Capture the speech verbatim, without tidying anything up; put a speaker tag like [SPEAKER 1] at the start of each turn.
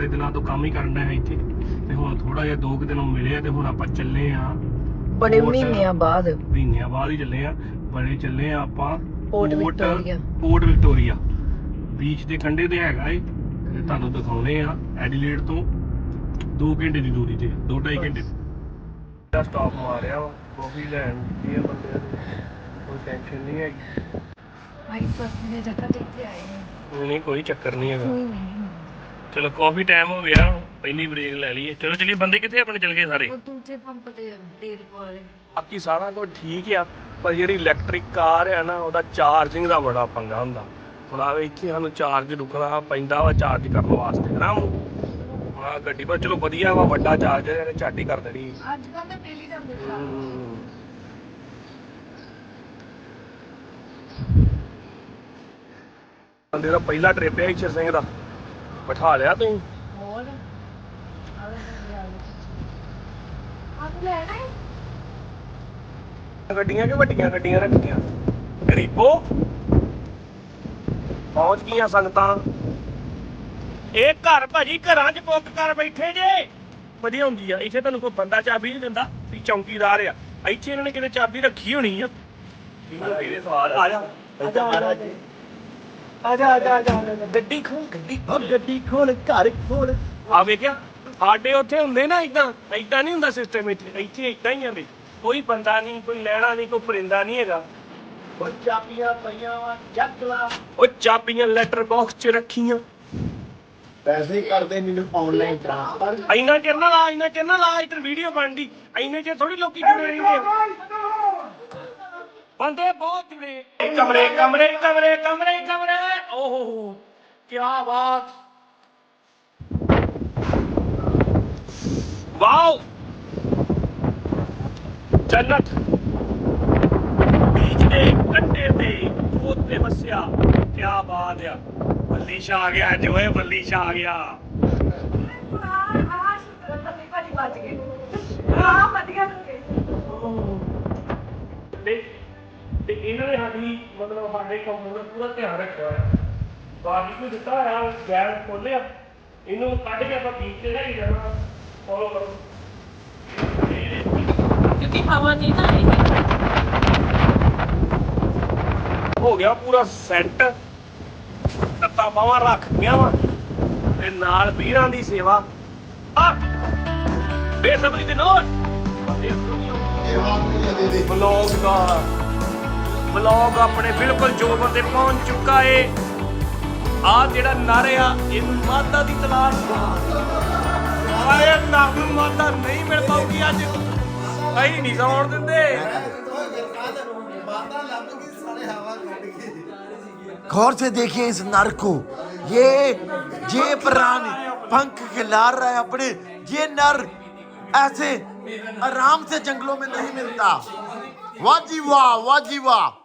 [SPEAKER 1] बड़े दिनों तो काम ही करना है इत्थे ते हुण थोड़ा जिहा दो दिन मिले ते हुण आपां चले आ
[SPEAKER 2] बड़े महीनों बाद
[SPEAKER 1] महीनों बाद ही चले आ बड़े चले आ आपां
[SPEAKER 2] Port Victoria
[SPEAKER 1] Port Victoria beach ਦੇ ਕੰਢੇ ਤੇ ਹੈਗਾ ਏ ਤੇ ਤੁਹਾਨੂੰ ਦਿਖਾਉਣੇ ਆ ਐਡੀਲੇਡ ਤੋਂ दो ਘੰਟੇ ਦੀ ਦੂਰੀ ਤੇ दो ढाई ਘੰਟੇ ਦਾ ਸਟਾਪ ਮਾਰਿਆ ਵਾ ਕਾਫੀ ਲੈਣ ਦੀ ਆ ਬੰਦੇ ਨੇ ਕੋਈ ਟੈਨਸ਼ਨ ਨਹੀਂ ਹੈਗੀ
[SPEAKER 2] भाई फसने जगह देखते आए हैं
[SPEAKER 1] नहीं कोई चक्कर नहीं है चलो काफी टाइम हो गया पहली ब्रेक ले ली चलो चलिए बंदे कितने अपने चल गए सारे
[SPEAKER 2] दूसरे पंप ते तेल पाले
[SPEAKER 1] बाकी सारा कुछ ठीक है पर जी इलैक्ट्रिक कार है ना ਉਹਦਾ ਚਾਰਜਿੰਗ ਦਾ ਬੜਾ ਪੰਗਾ ਹੁੰਦਾ ਹੁਣ ਆਵੇ ਇੱਥੇ ਸਾਨੂੰ ਚਾਰਜ ਰੁਕਣਾ ਪੈਂਦਾ ਵਾ ਚਾਰਜ ਕਰਨ ਵਾਸਤੇ ਨਾ ਹਾਂ ਗੱਡੀ ਪਰ ਚਲੋ ਵਧੀਆ ਵਾ ਵੱਡਾ ਚਾਰਜਰ ਇਹਨੇ ਝੱਟ ਹੀ ਕਰ ਦੇਣੀ
[SPEAKER 2] ਅੱਜ ਕੱਲ ਤਾਂ ਡੇਲੀ ਜਾਂਦੇ
[SPEAKER 1] ਬੰਦੇ ਦਾ ਪਹਿਲਾ ਟ੍ਰਿਪ ਹੈ ਈਸ਼ਰ ਸਿੰਘ ਦਾ ਬਿਠਾ ਲਿਆ ਤੁਸੀਂ
[SPEAKER 2] ਹੋਰ ਆਹ ਲੈਣਾ ਹੈ
[SPEAKER 1] ਗੱਡੀਆਂ ਕਿ ਵੱਡੀਆਂ ਗੱਡੀਆਂ ਰੱਖੀਆਂ ਗਰੀਬੋ ਪਹੁੰਚ ਗਈਆਂ ਸੰਗਤਾਂ ਇਹ ਘਰ ਭਾਜੀ ਘਰਾਂ 'ਚ ਬੁੱਕ ਕਰ ਬੈਠੇ ਜੇ ਵਧੀਆ ਹੁੰਦੀ ਆ ਇੱਥੇ ਤੁਹਾਨੂੰ ਕੋਈ ਬੰਦਾ ਚਾਬੀ ਨਹੀਂ ਦਿੰਦਾ ਵੀ ਚੌਂਕੀਦਾਰ ਆ ਇੱਥੇ ਇਹਨਾਂ ਨੇ ਕਿਤੇ ਚਾਬੀ ਰੱਖੀ ਹੋਣੀ ਆ ਇਹਦੇ ਸਵਾਲ ਆ ਜਾ ਆ ਜਾ ਆ ਜਾ ਆ ਜਾ ਗੱਡੀ ਖੋਲ ਗੱਡੀ ਖੋਲ ਗੱਡੀ ਖੋਲ ਘਰ ਖੋਲ ਆ ਵੇਖਿਆ ਸਾਡੇ ਉੱਥੇ ਹੁੰਦੇ ਨਾ ਇਦਾਂ ਇਦਾਂ ਨਹੀਂ ਹੁੰਦਾ ਸਿਸਟਮ ਇੱਥੇ ਇੱਥੇ ਇਦਾਂ ਹੀ ਆਂਦੇ ਕੋਈ ਬੰਦਾ ਨਹੀਂ ਕੋਈ ਲੈਣਾ ਨਹੀਂ ਕੋਈ ਪਰਿੰਦਾ ਨਹੀਂ ਹੈਗਾ ਉਹ ਚਾਬੀਆਂ ਪਈਆਂ ਵਾ ਚੱਕ ਲਾ ਉਹ ਚਾਬੀਆਂ ਲੈਟਰ ਬਾਕਸ 'ਚ ਰੱਖੀਆਂ
[SPEAKER 3] ਪੈਸੇ ਕਰਦੇ ਮੈਨੂੰ ਆਨਲਾਈਨ ਟ੍ਰਾਂਸਫਰ
[SPEAKER 1] ਇੰਨਾ ਚਿਰ ਨਾ ਲਾ ਇੰਨਾ ਚਿਰ ਨਾ ਲਾ ਇੱਧਰ ਵੀਡੀਓ ਬਣਦੀ ਇੰਨੇ ਚਿਰ ਥੋੜੀ ਲੋਕੀ ਜੁੜੇ ਰਹਿੰਦੇ ਬੰਦੇ ਬਹੁਤ ਜੁੜੇ ਕਮਰੇ ਕਮਰੇ ਕਮਰੇ ਕਮਰੇ ਕਮਰੇ ਓਹ ਕੀ ਬਾਤ ਵਾਓ ਜੰਨਤ ਬੀਚ ਦੇ ਕੰਢੇ ਤੇ ਉੱਤੇ ਵਸਿਆ ਕੀ ਬਾਤ ਆ ਬੱਲੀ ਸ਼ਾ ਆ ਗਿਆ ਜੋਏ ਬੱਲੀ ਸ਼ਾ ਆ ਗਿਆ ਤੇ ਤੇ ਇਹਨਾਂ ਨੇ ਸਾਡੀ ਮਤਲਬ ਸਾਡੇ ਕੰਮ ਦਾ ਪੂਰਾ ਧਿਆਨ ਰੱਖਿਆ ਹੋਇਆ ਬਾਕੀ ਕੋਈ ਦਿੱਤਾ ਹੋਇਆ ਗੈਸ ਖੋਲਿਆ ਇਹਨੂੰ ਕੱਢ ਕੇ ਆਪਾਂ ਬੀਚ ਤੇ ਲੈ ਕੇ ਜਾਣਾ ਫੋਲੋ ਕਰੋ
[SPEAKER 2] क्योंकि हवा नहीं ना
[SPEAKER 1] ਹੋ ਗਿਆ ਪੂਰਾ ਸੈੱਟ ਤੱਤਾ ਬਾਹਾਂ ਰੱਖਦੀਆਂ ਵਾ ਤੇ ਨਾਲ ਵੀਰਾਂ ਦੀ ਸੇਵਾ ਆ ਬੇਸਬਰੀ ਦੇ ਨਾਲ ਬਲੌਗ ਦਾ ਬਲੌਗ ਆਪਣੇ ਬਿਲਕੁਲ ਜੋਰ ਤੇ ਪਹੁੰਚ ਚੁੱਕਾ ਏ ਆ ਜਿਹੜਾ ਨਰ ਆ ਇਹਨੂੰ ਮਾਦਾ ਦੀ ਤਲਾਸ਼ ਆਏ ਨਰ ਨੂੰ ਮਾਦਾ ਨਹੀਂ ਮਿਲ ਪਾਉਗੀ ਅੱਜ ਅਸੀਂ ਨਹੀਂ ਸੌਣ ਦਿੰਦੇ
[SPEAKER 3] गौर से देखिए इस नर को ये ये प्राण पंख खिलार रहा है अपने ये नर ऐसे आराम से जंगलों में नहीं मिलता वाह जी वाह वाह जी वाह